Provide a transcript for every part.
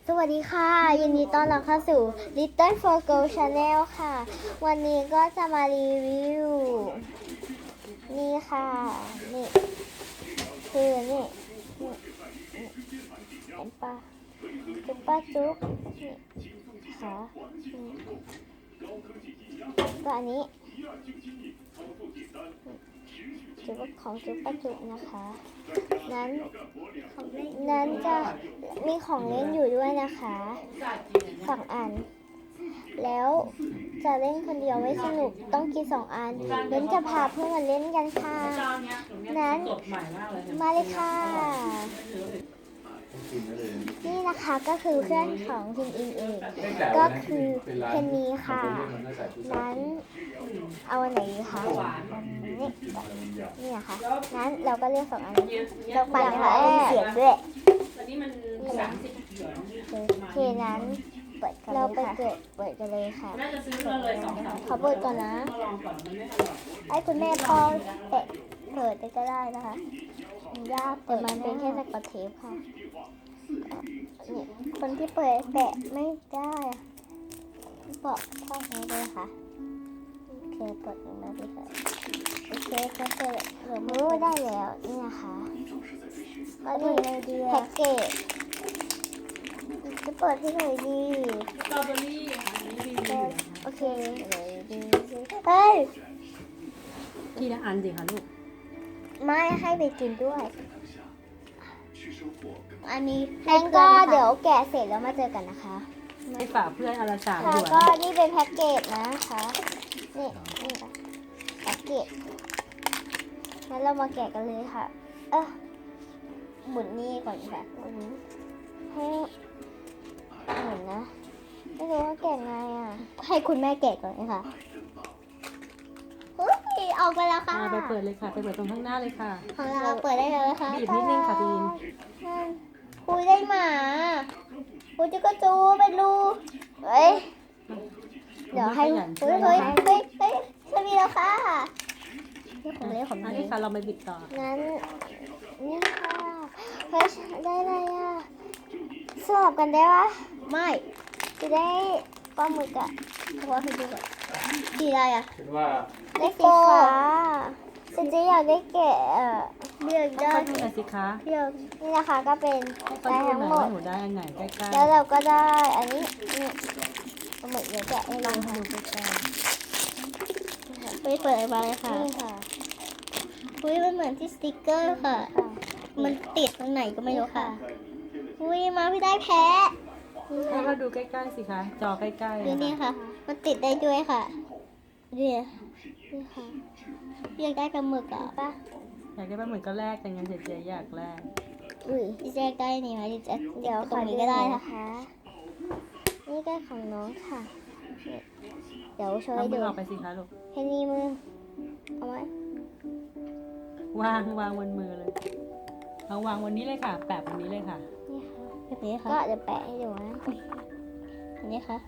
สวัสดีค่ะยินดีต้อนรับเข้าสู่ Little for Girl Channel ค่ะวันนี้ก็จะมารีวิวนี่ค่ะนี่คือนี่เห็นปะจุ๊บป้าจุ๊บนี่ค่ะก็อันนี้จุ๊บของจุ๊บป้าจุ๊บนะคะนั้นจะมีของเล่นอยู่ด้วยนะคะ2 อันแล้วจะเล่นคนเดียวไม่สนุกต้องกิน2 อันเล่นจะพาเพื่อนมาเล่นกันค่ะนั้นมาเลยค่ะนี่นะคะก็คือเพื่อนของพิมอินเองก็คือเพนนีค่ะนั้นเอาอันไหนดีคะนี่ค่ะนั้นเราก็เลือก2 อันเราปั่นค่ะมีเสียงด้วยโอเคนั้นเราไปเปิดกันเลยค่ะขอเปิดก่อนนะให้คุณแม่พ่อเปิดก็ได้นะคะยากแต่มันเป็นแค่สกอตเทปค่ะคนที่เปิดแปะไม่ได้บอกพ่อใช้เลยค่ะโอเคเปิดลงมาดีค่ะโอเคก็เปิดหรือมือได้แล้วนี่นะคะก็ดูในดีแพ็กเกจจะเปิดที่ไหนดีสตรอเบอรี่โอเคเลยดีเฮ้ยทีละอันสิคะลูกไม่ให้ไปกินด้วยอันนี้งั้นก็เดี๋ยวแกะเสร็จแล้วมาเจอกันนะคะไปฝากเพื่อนอนละ3 หยค่ะวนก็นี่เป็นแพ็กเกจนะคะนี่แพ็กเกจงั้นเรามาแกะกันเลยค่ะหมุนนี่ก่อนค่ะหมุนให้หมุนนะไม่รู้ว่าแกะไงอ่ะให้คุณแม่แกะก่อนนะคะออกไปแล้วค่ะไปเปิดเลยค่ะไปเปิดตรงข้างหน้าเลยค่ะของเราเปิดได้เลยค่ะบีบนิดนึงค่ะพีนคุยได้หมาคุยจะก็จูไปดูเฮ้ยเดี๋ยวให้เฮ้ยจะมีแล้วค่ะนี่ของเล่นของอันเล่นี้นค่ะเราไปบิดต่องั้นนี่ค่ะเฮ้ยได้อะไรอ่ะสลับกันได้ปะไม่จะได้ปลาหมึกอ่ะเพราะว่าให้ดูก่อนสีอะไรอ่ะได้สีฟ้าจะอยากได้แกะเลือกได้ค่อยๆดูหน่อยสิคะเลือกนี่นะคะก็เป็นค่อยๆดูทั้งหน่อยหมดว่าหนูได้อันไหนใกล้ๆแล้วเราก็ได้อันนี้นี่ปลาหมึกเดี๋ยวแกะให้ลดูองค่ะดูใกล้ไม่เปิดมาเลยค่ะนี่ค่ะอุ้ยมันเหมือนที่สติกเกอร์ค่ะ มันติดตรงไหนก็ไม่รู้ค่ะอุ้ยมาพี่ได้แพ้ๆให้เราดูใกล้ๆสิคะจอใกล้ๆดูนี่ค่ะ มันติดได้ด้วยค่ะนี่ค่ะอยากได้ปลาหมึกอ่ะป่ะอยากได้ปลาหมึกก็แลกแต่เงินเสียอยากแลกอุ้ยพี่แจ๊กได้นี่ไหมพี่แจ๊กเดี๋ยวตรงนี้ก็ได้นะคะนี่ก็ของน้องค่ะเดี๋ยวช่วยเอามืดูอออกไปสิคะลูกให้นี่มือเอาไว้วางบนมือเลยเอาวางวันนี้เลยค่ะแปะวันนี้เลยค่ะแบบนี้ค่ะก็เดี๋ยวแปะให้ดูนะอันนี้ค่ะ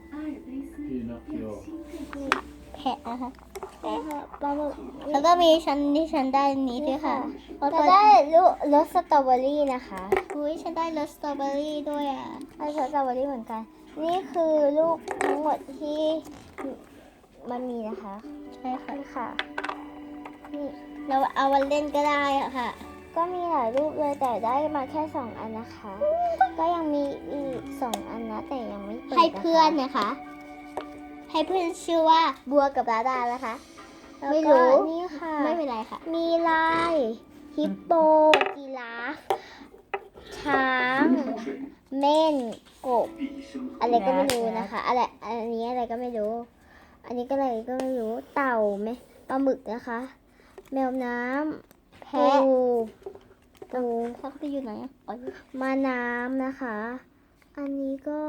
แพะนะคะแพะค่ะปลาหมึกแล้วก็มีชั้นที่ฉันได้นี้ด้วยค่ะจะได้รสสตรอเบอรี่นะคะอุ้ยฉันได้รสสตรอเบอรี่ด้วยอ่ะได้รสสตรอเบอรี่เหมือนกันนี่คือลูกทั้งหมดที่มันมีนะคะใช่ค่ะนี่ค่ะนี่เราเอาวันเล่นก็ได้อะค่ะก็มีหลายรูปเลยแต่ได้มาแค่2 อันนะคะ ก็ยังมีอีก2 อันนะแต่ยังไม่เปิดให้เพื่อนนะคะให้เพื่อนชื่อว่าบัวกับดาดานะคะไม่รู้นี่ค่ะไม่เป็นไรค่ะมีลายฮิปโปยีราฟช้างเม่นกบอะไรก็ไม่รู้นะคะอะไรอันนี้อะไรก็ไม่รู้อันนี้ก็อะไรก็ไม่รู้เต่าไหมปลาหมึกนะคะแมวน้ำแพะปูเขาไปอยู่ไหนอ่ะมาน้ำนะคะ อันนี้ก็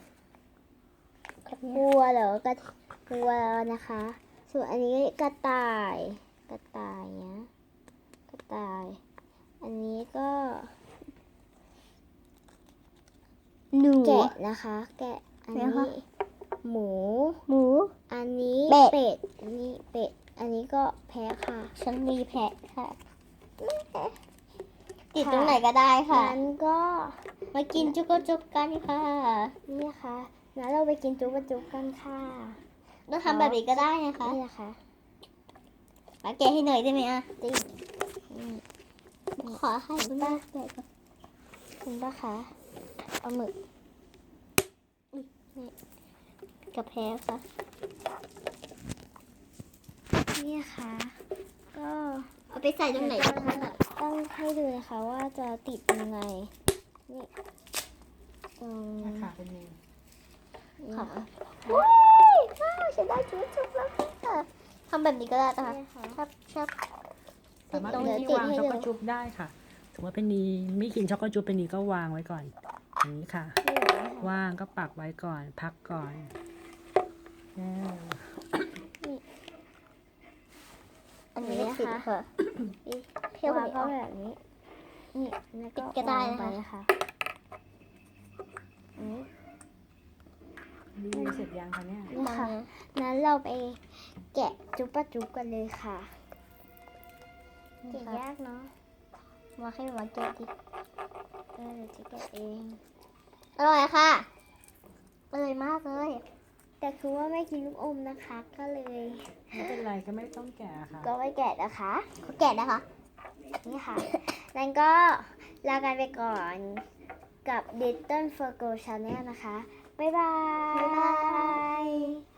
บัวเหรอกระบัวนะคะ ส่วนอันนี้กระต่ายนะกระต่าย อันนี้ก็หนูแกะนะคะ แกะอันนี้หมู อันนี้เป็ดอันนี้เป็ดอันนี้ก็แพะค่ะฉันมีแพะค่ะติดตรงไหนก็ได้ค่ะงั้นก็มากินจุกจุกกันค่ะนี่ค่ะงั้นเราไปกินจุกจุกกันค่ะเราทำแบบนี้ก็ได้นะคะนี่นะคะมาแกะให้หน่อยได้ไหมอ่ะจริงขอให้คุณป้าแกะก่อนคุณป้าคะเอาหมึกนี่กับแพ้ค่ะนี่ค่ะก็เอาไปใส่ตรงไหนต้องให้ดูนะคะว่าจะติดยังไงนี่ตรงค่ะเป็นไงค่ะว้ายว้าวฉันได้จุ๊บแล้วค่ะทำแบบนี้ก็ได้นะคะชอบสามารถเป็นที่วางช็อกโกจุ๊บได้ค่ะสมมติว่าเป็นนี้ไม่กินช็อกโกจุ๊บเป็นนี้ก็วางไว้ก่อนอย่างนี้ค่ะ ว่างก็ปักไว้ก่อน พักก่อนอันนี้นะคะเพี้ยวก็แบบนี้นี่แล้วก็ได้นะคะนี่เสร็จยังคะเนี่ยนี่ค่ะนั้นเราไปแกะจุ๊บปะจุ๊บกันเลยค่ะแกะยากเนาะมาให้มาแกะดิเดี๋ยวจะแกะเองอร่อยค่ะอร่อยมากเลยแต่คือว่าไม่กินลูกอมนะคะ ก็เลยไม่เป็นไรก็ไม่ต้องแกะค่ะก็ไม่แกะนะคะเขาแกะนะคะนี่ค่ะนั้นก็ลากันไปก่อนกับ Little Virgo Channel นะคะบ๊ายบาย